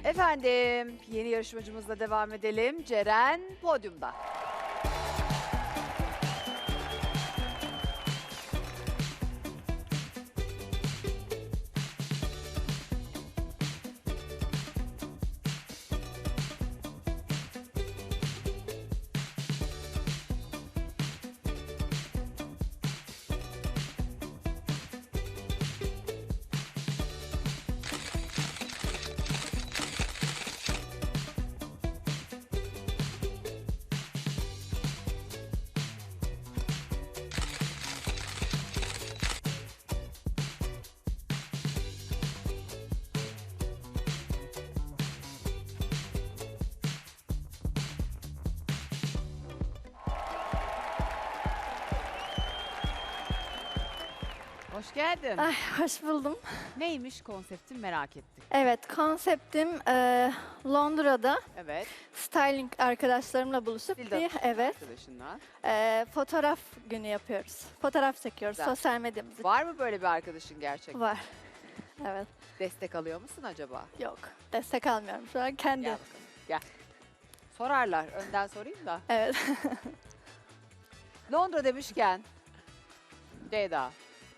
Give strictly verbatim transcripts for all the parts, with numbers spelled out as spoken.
Efendim, yeni yarışmacımızla devam edelim. Ceren podyumda. Hoş geldin. Ay, hoş buldum. Neymiş konseptin merak ettik. Evet, konseptim e, Londra'da Evet. styling arkadaşlarımla buluşup Dilda bir evet arkadaşınla. e, fotoğraf günü yapıyoruz. Fotoğraf çekiyoruz Güzel. sosyal medyamızda. Var mı böyle bir arkadaşın gerçekten? Var. Evet. Destek alıyor musun acaba? Yok. Destek almıyorum şu an kendi. Gel bakalım. Gel. Sorarlar. Önden sorayım da. Evet. Londra demişken. Ceyda.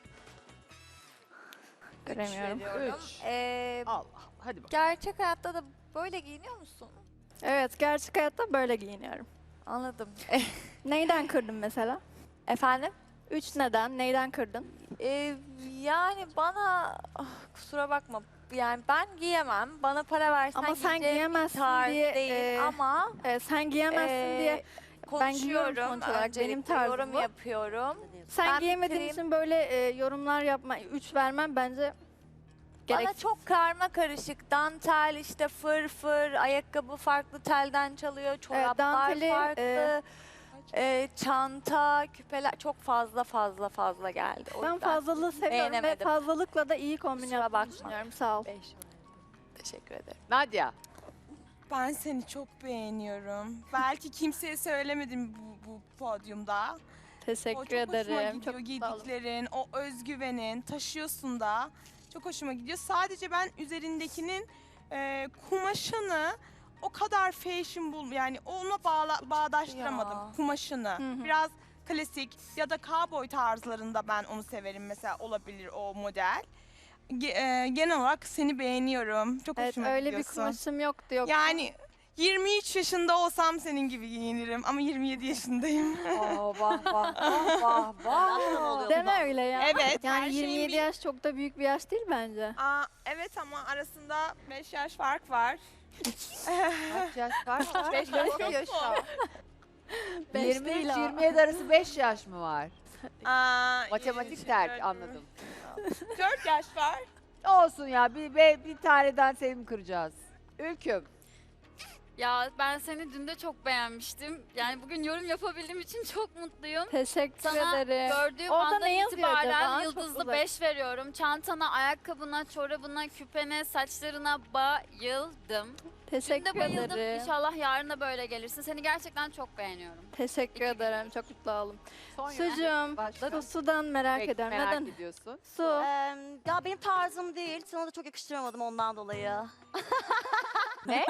Göremiyorum. Üç. Ee, Allah. Hadi bakalım. gerçek hayatta da böyle giyiniyor musun? Evet, gerçek hayatta böyle giyiniyorum. Anladım. Neyden kırdın mesela? Efendim? Üç neden? Neyden kırdın? Ee, yani bana ah, kusura bakma. Yani ben giyemem. Bana para versen Ama sen giyeceğim bir giyemezsin tarz diye, değil e, ama E, sen giyemezsin e, diye. Ben giyiyorum konuşuyorum. sonuç olarak, benim Öncelikle tarzım yorum bu. yapıyorum. Sen Ben giyemediğin bitireyim. için böyle e, yorumlar yapma, üç vermem bence Bana gereksiz. çok karma karışık. Dantel işte fır fır, ayakkabı farklı telden çalıyor, çoraplar danteli, farklı. e, e, çanta, küpeler çok fazla fazla fazla geldi. O Ben yüzden fazlalığı seviyorum ve beğenemedim. fazlalıkla da iyi kombin Kusura yaptığını bakma. düşünüyorum. Sağ ol. beş. Teşekkür ederim. Nadia. Ben seni çok beğeniyorum. Belki kimseye söylemedim bu, bu podyumda. O Teşekkür çok hoşuma ederim. gidiyor Çok sağ olun. giydiklerin, o özgüvenin, taşıyorsun da. Çok hoşuma gidiyor. Sadece ben üzerindekinin e, kumaşını o kadar fashion bul, yani ona bağla, bağdaştıramadım Ya. kumaşını. Hı hı. Biraz klasik ya da cowboy tarzlarında ben onu severim, mesela olabilir o model. Ge- e, genel olarak seni beğeniyorum. Çok Evet, hoşuma öyle bir gidiyorsun. kumaşım yoktu yok. Yani yirmi üç yaşında olsam senin gibi giyinirim ama yirmi yedi yaşındayım. Oh, vah vah vah vah vah. Deme öyle ya. Evet, her Yani şeyin yirmi yedi bir- yaş çok da büyük bir yaş değil bence. Aa, evet ama arasında beş yaş fark var. Kaç yaş? Kaç var? Beş yaş var. Beş yirmi üç değil ha. yirmi yedi arası beş yaş mı var? Aa, Matematik yirmi üç, terk dört, anladım. dört yaş var. Olsun ya bir, bir, bir taneden seni mi kıracağız? Ülküm. Ya ben seni dün de çok beğenmiştim. Yani bugün yorum yapabildiğim için çok mutluyum. Teşekkür Sana ederim. gördüğüm Orada andan ne yazıyor itibaren acaba? Çok yıldızlı uzak. beş veriyorum. Çantana, ayakkabına, çorabına, küpene, saçlarına bayıldım. Dün Teşekkür de bayıldım. ederim. İnşallah yarın da böyle gelirsin. Seni gerçekten çok beğeniyorum. Teşekkür ederim. Çok mutlu oldum. Son Sucuğum, Başla. su, sudan merak Peki, ediyorum. merak Neden? ediyorsun. Su. Eee, ya benim tarzım değil. Sana da çok yakıştıramadım ondan dolayı. Ne?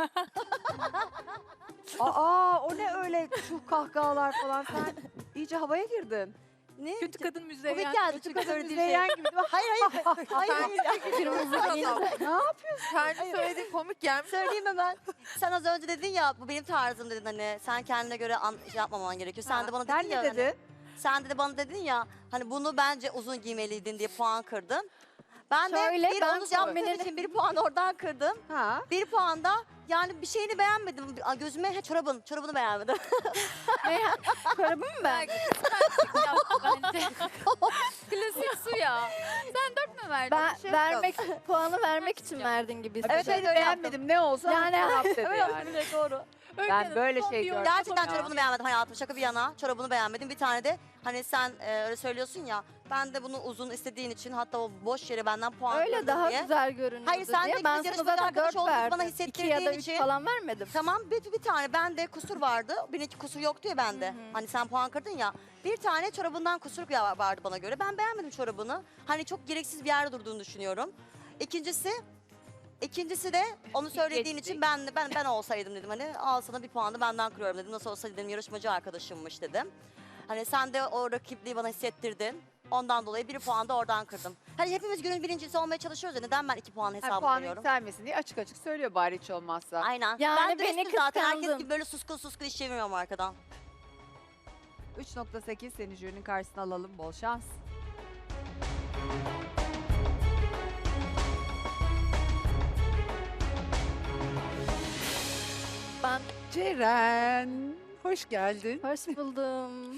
Aa o ne öyle şu kahkahalar falan sen iyice havaya girdin. Ne? Kötü kadın Komik müzeyyen. geldi Kötü çünkü kadın söylediği müzeyyen şey. gibi değil mi? Hayır hayır. hayır, hayır. Kırmızı giyince. Ne yapıyorsun? Kendi söylediği komik gelmiş. Söyleyeyim hemen. Sen az önce dedin ya bu benim tarzım dedin, hani sen kendine göre an, şey yapmaman gerekiyor. Sen de bana dedin Sen ya. ne hani- dedin? sen de bana dedin ya hani bunu bence uzun giymeliydin diye puan kırdın. Ben de Şöyle, bir ben onu yaptığım kombinin- için bir puan oradan kırdım. Ha? Bir puan da yani bir şeyini beğenmedim. Aa, gözüme he, çorabın, çorabını beğenmedim. Ne? Çorabı mı ben? Bence. Klasik su ya. Sen dört mü verdin? Ben şey vermek, puanı vermek için verdin gibi Evet hissediyorum. evet beğenmedim ne olsa Yani- yani, cevap dedi Öyle yani. öyle doğru. Ben böyle şey gördüm. Gerçekten ya. çorabını beğenmedim hayatım, şaka bir yana. Çorabını beğenmedim. Bir tane de hani sen e, öyle söylüyorsun ya, ben de bunu uzun istediğin için hatta o boş yere benden puan Öyle kırdın daha diye. güzel görünüyordu Hayır, sen de diye. biz Ben sana yarışmacı zaten arkadaş dört olduğumuzu bana verdim. hissettirdiğin iki ya da üç için- falan vermedim. Tamam bir, bir tane bende kusur vardı. Benimki kusur yoktu ya bende. Hani sen puan kırdın ya. Bir tane çorabından kusur ya- vardı bana göre. Ben beğenmedim çorabını. Hani çok gereksiz bir yerde durduğunu düşünüyorum. İkincisi İkincisi de onu söylediğin geçtik. için ben ben ben olsaydım dedim hani al sana bir puanı benden kırıyorum dedim. Nasıl olsa dedim yarışmacı arkadaşımmış dedim. Hani sen de o rakipliği bana hissettirdin. Ondan dolayı bir puan da oradan kırdım. Hani hepimiz günün birincisi olmaya çalışıyoruz ya neden ben iki puan Ha, hesabı puan veriyorum? yükselmesin diye açık açık söylüyor bari hiç olmazsa. Aynen. Yani ben de beni üstüm zaten herkes kıskandın. gibi böyle suskun suskun iş çevirmiyorum arkadan. üç nokta sekiz seni jürinin karşısına alalım. Bol şans. Ben Ceren, hoş geldin. hoş buldum.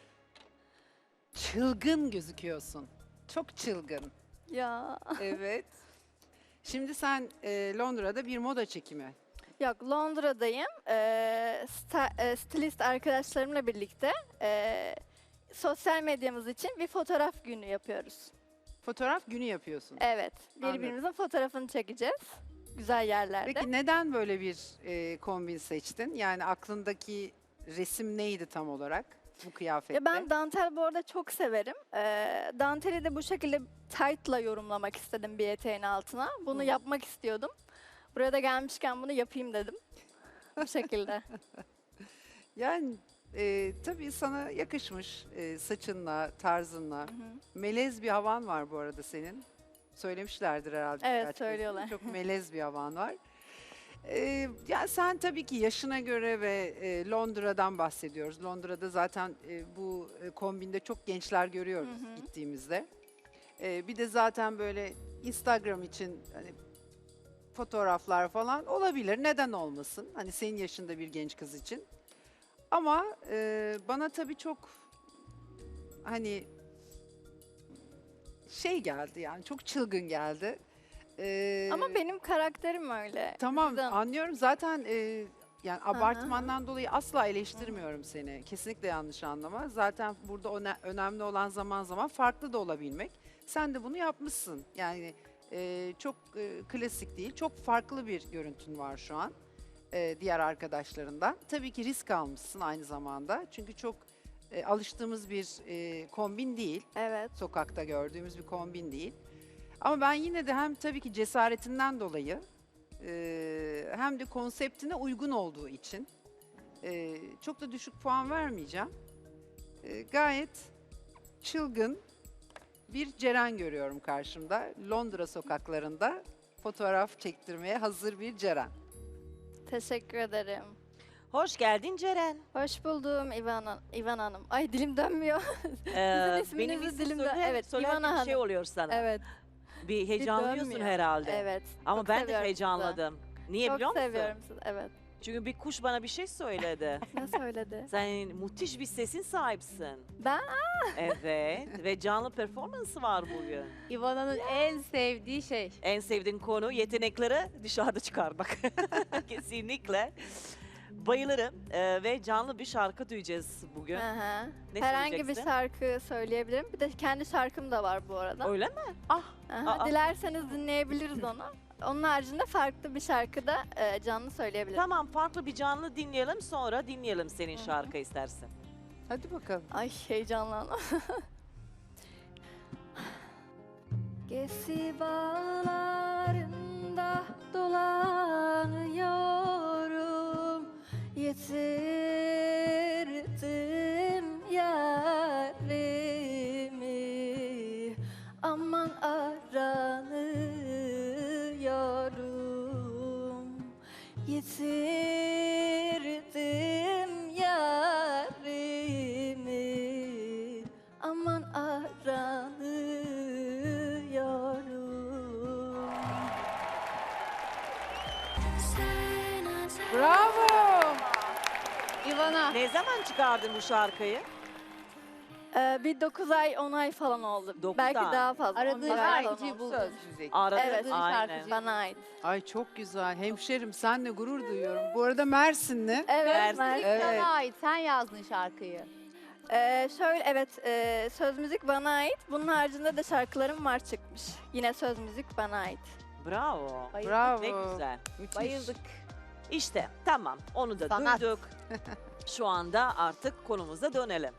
Çılgın gözüküyorsun. Çok çılgın. Ya. Evet. Şimdi sen e, Londra'da bir moda çekimi. Yok, Londra'dayım. Ee, sta- e, stilist arkadaşlarımla birlikte e, sosyal medyamız için bir fotoğraf günü yapıyoruz. Fotoğraf günü yapıyorsun. Evet, Anladım. birbirimizin fotoğrafını çekeceğiz. Güzel yerlerde. Peki neden böyle bir e, kombin seçtin? Yani aklındaki resim neydi tam olarak bu kıyafette? Ya ben dantel bu arada çok severim. Ee, danteli de bu şekilde tight'la yorumlamak istedim bir eteğin altına. Bunu Hı. yapmak istiyordum. Buraya da gelmişken bunu yapayım dedim. Bu şekilde. Yani e, tabii sana yakışmış e, saçınla, tarzınla. Hı hı. Melez bir havan var bu arada senin. Söylemişlerdir herhalde. Evet, birkaç kez, değil mi? söylüyorlar. Çok melez bir havan var. Ee, yani sen tabii ki yaşına göre ve e, Londra'dan bahsediyoruz. Londra'da zaten e, bu e, kombinde çok gençler görüyoruz Hı hı. gittiğimizde. E, bir de zaten böyle Instagram için hani fotoğraflar falan olabilir. Neden olmasın? Hani senin yaşında bir genç kız için. Ama e, bana tabii çok hani şey geldi yani çok çılgın geldi. Ee, Ama benim karakterim öyle. Tamam Yüzden- anlıyorum zaten e, yani abartmandan dolayı asla eleştirmiyorum seni. Kesinlikle yanlış anlama. Zaten burada öne- önemli olan zaman zaman farklı da olabilmek. Sen de bunu yapmışsın. Yani e, çok e, klasik değil, çok farklı bir görüntün var şu an e, diğer arkadaşlarından. Tabii ki risk almışsın aynı zamanda. Çünkü çok e, alıştığımız bir e, kombin değil. Evet. Sokakta gördüğümüz bir kombin değil. Ama ben yine de hem tabii ki cesaretinden dolayı e, hem de konseptine uygun olduğu için e, çok da düşük puan vermeyeceğim. E, gayet çılgın bir Ceren görüyorum karşımda. Londra sokaklarında fotoğraf çektirmeye hazır bir Ceren. Teşekkür ederim. Hoş geldin Ceren. Hoş buldum İvan, Han- İvan Hanım. Ay dilim dönmüyor. Ee, isminizi benim ismim dilimde- söyle, evet, söylerken İvana bir şey Hanım. oluyor sana. Evet. Bir heyecanlıyorsun dönmüyor. herhalde. Evet. Ama çok ben de seviyorum sizi. heyecanladım. Niye Çok biliyor musun? seviyorum sizi. Evet. Çünkü bir kuş bana bir şey söyledi. Ne söyledi? Sen müthiş bir sesin sahipsin. Ben? Evet ve canlı performansı var bugün. İvana'nın en sevdiği şey. En sevdiğin konu yetenekleri dışarıda çıkarmak. Kesinlikle. Bayılırım Ee, ve canlı bir şarkı duyacağız bugün. Hı hı. Ne Herhangi bir söyleyeceksin? şarkı söyleyebilirim. Bir de kendi şarkım da var bu arada. Öyle mi? Aha, Aa. dilerseniz dinleyebiliriz onu. Onun haricinde farklı bir şarkı da e, canlı söyleyebilirim. Tamam farklı bir canlı dinleyelim sonra dinleyelim senin şarkı istersen. Hadi bakalım. Ay heyecanlandım. Gesi bağlarında dolanıyorum. Yitirdim yarimi. Aman aranıyorum. Yitirdim yarimi. Aman aranıyorum. Bravo! İvana. Ne zaman çıkardın bu şarkıyı? Ee, bir dokuz ay on ay falan oldu. Dokuz Belki ay. daha fazla. Aradığın on bir ay falan şarkıcıyı oldu. buldun. Söz müzik. Aradı, Evet, aynen. şarkıcı. Bana ait. Ay çok güzel. Hemşerim senle gurur duyuyorum. Bu arada Mersinli. Evet, Mersin. Mersin. Evet. Sana ait. Sen yazdın şarkıyı. Ee, şöyle evet, e, söz müzik bana ait. Bunun haricinde de şarkılarım var çıkmış. Yine söz müzik bana ait. Bravo. Bayıldık. Bravo. Ne güzel. Müthiş. Bayıldık. İşte tamam onu da Sanat. duyduk. Şu anda artık konumuza dönelim.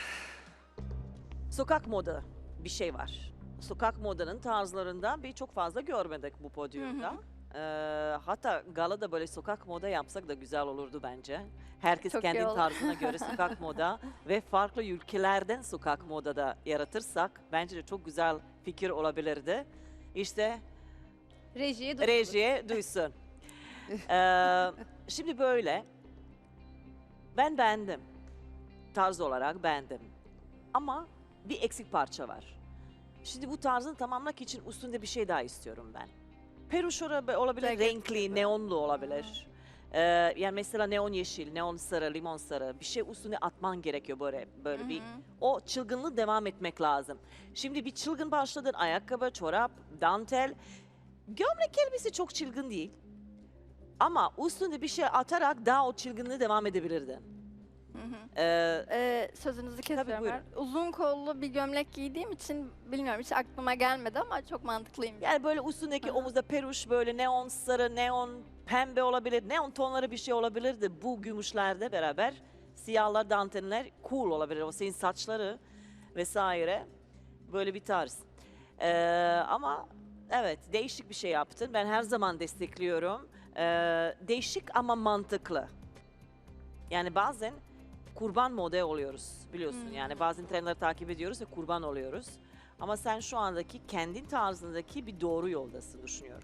Sokak moda bir şey var. Sokak modanın tarzlarından bir çok fazla görmedik bu podyumda. Hı hı. Ee, hatta galada böyle sokak moda yapsak da güzel olurdu bence. Herkes Çok iyi kendi olur. tarzına göre sokak moda ve farklı ülkelerden sokak moda da yaratırsak bence de çok güzel fikir olabilirdi. İşte Rejiye dur. rejiye duysun. Ee, şimdi böyle. Ben beğendim. Tarz olarak beğendim. Ama bir eksik parça var. Şimdi bu tarzını tamamlamak için üstünde bir şey daha istiyorum ben. Peruş ora- olabilir, Ceket renkli, gibi. neonlu olabilir. Ee, yani mesela neon yeşil, neon sarı, limon sarı bir şey üstüne atman gerekiyor böyle böyle bir. Hı hı. O çılgınlığı devam etmek lazım. Şimdi bir çılgın başladın, ayakkabı, çorap, dantel. Gömlek elbise çok çılgın değil. Ama üstünde bir şey atarak daha o çılgınlığı devam edebilirdin. Hı hı. Ee, Ee, sözünüzü kesiyorum. buyurun. ben. Uzun kollu bir gömlek giydiğim için bilmiyorum hiç aklıma gelmedi ama çok mantıklıyım. yani böyle üstündeki Hı hı. omuzda peruş böyle neon sarı, neon pembe olabilir. Neon tonları bir şey olabilirdi. Bu gümüşlerde beraber siyahlar, danteller cool olabilir. O senin saçları vesaire böyle bir tarz. Ee, ama evet değişik bir şey yaptın. Ben her zaman destekliyorum. Ee, değişik ama mantıklı. Yani bazen kurban model oluyoruz biliyorsun. Hmm. Yani bazen trendleri takip ediyoruz ve kurban oluyoruz. Ama sen şu andaki kendin tarzındaki bir doğru yoldasın düşünüyorum.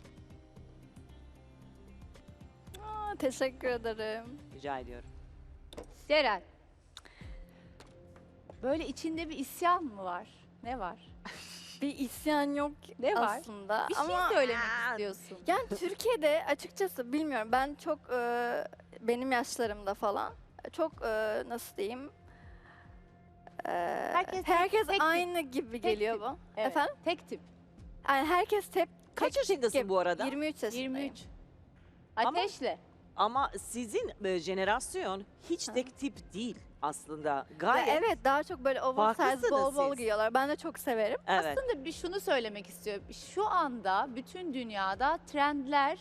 Aa, teşekkür ederim. Rica ediyorum. Ceren. Böyle içinde bir isyan mı var? Ne var? Bir isyan yok Ne var? aslında Bir şey ama söylemek istiyorsun. yani Türkiye'de açıkçası bilmiyorum ben çok e, benim yaşlarımda falan çok e, nasıl diyeyim e, Herkes tek- herkes tek tip. aynı gibi geliyor tip. bu. Evet, Efendim? Tek tip. Yani herkes tep Kaç tek tip yaşındasın gibi. bu arada? yirmi üç yaşındayım. yirmi üç. Ama- Ateşle. Ama sizin e, jenerasyon hiç Hı. tek tip değil aslında. Ya Gayet. evet daha çok böyle oversize Farklısınız bol bol siz. giyiyorlar. Ben de çok severim. Evet. Aslında bir şunu söylemek istiyorum. Şu anda bütün dünyada trendler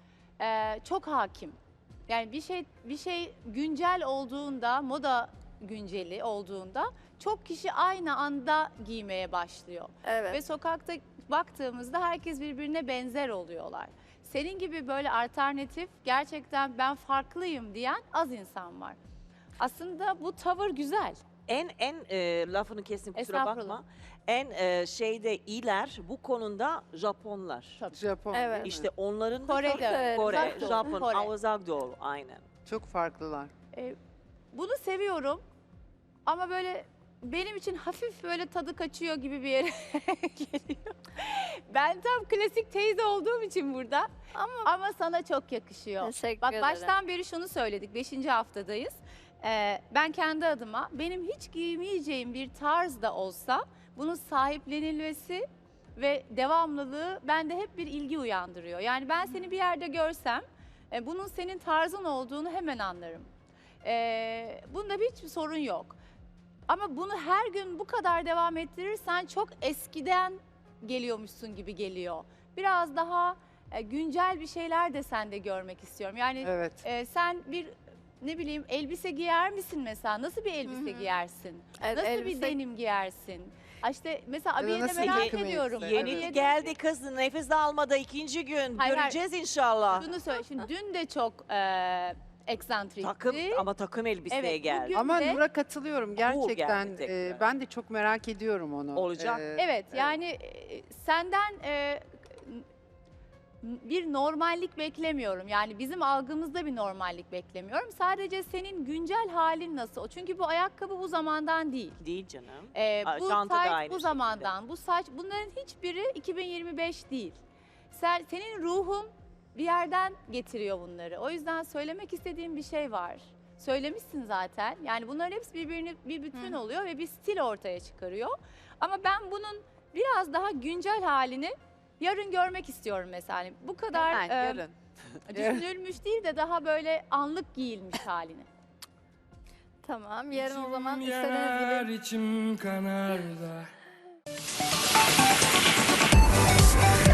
e, çok hakim. Yani bir şey bir şey güncel olduğunda, moda günceli olduğunda çok kişi aynı anda giymeye başlıyor. Evet. Ve sokakta baktığımızda herkes birbirine benzer oluyorlar. Senin gibi böyle alternatif, gerçekten ben farklıyım diyen az insan var. Aslında bu tavır güzel. En en e, lafını kestim kusura Estağfurullah. bakma. En e, şeyde iyiler bu konuda Japonlar. Tabii. Japon Evet. değil mi? İşte onların Kore'de Çok severim. Kore, Uzak Doğu, Japon, Kore. Kore. Uzak Doğu aynen. Çok farklılar. Ee, bunu seviyorum ama böyle benim için hafif böyle tadı kaçıyor gibi bir yere geliyor. Ben tam klasik teyze olduğum için burada Ama ama sana çok yakışıyor. teşekkür Bak ederim. baştan beri şunu söyledik, beşinci haftadayız. Ee, ben kendi adıma benim hiç giymeyeceğim bir tarz da olsa bunun sahiplenilmesi ve devamlılığı bende hep bir ilgi uyandırıyor. Yani ben seni bir yerde görsem e, bunun senin tarzın olduğunu hemen anlarım. Ee, bunda hiçbir sorun yok. Ama bunu her gün bu kadar devam ettirirsen çok eskiden geliyormuşsun gibi geliyor. Biraz daha e, güncel bir şeyler de sende görmek istiyorum. Yani Evet. e, sen bir ne bileyim elbise giyer misin mesela? Nasıl bir elbise Hı hı. giyersin? Evet, Nasıl bir elbise- denim giyersin? Ha İşte mesela Ya da abiyede nasıl merak takım ediyorum. elbise? Yeni Abiyede- geldi kız nefes de almadı ikinci gün. Hayır, Göreceğiz inşallah. Şunu söyle. Şimdi dün de çok e, eksantrikti. Takım ama takım elbiseye Evet, geldi. bugün- Ama de- Nur'a katılıyorum gerçekten. geldi tekrar. e, ben de çok merak ediyorum onu. Olacak. E, Evet yani e, senden e, n- bir normallik beklemiyorum. Yani bizim algımızda bir normallik beklemiyorum. Sadece senin güncel halin nasıl? Çünkü bu ayakkabı bu zamandan değil. Değil canım. Ee, Aa, bu çanta da saç aynı bu şekilde. zamandan, bu saç bunların hiçbiri iki bin yirmi beş değil. Sen, senin ruhun bir yerden getiriyor bunları. O yüzden söylemek istediğim bir şey var. Söylemişsin zaten. Yani bunların hepsi birbirini bir bütün Hı. oluyor ve bir stil ortaya çıkarıyor. Ama ben bunun biraz daha güncel halini yarın görmek istiyorum mesela. Hani bu kadar Hemen, e, yarın. düşünülmüş değil de daha böyle anlık giyilmiş halini. Tamam. Yarın o zaman İçim istediğiniz yanar, gibi içim kanar da.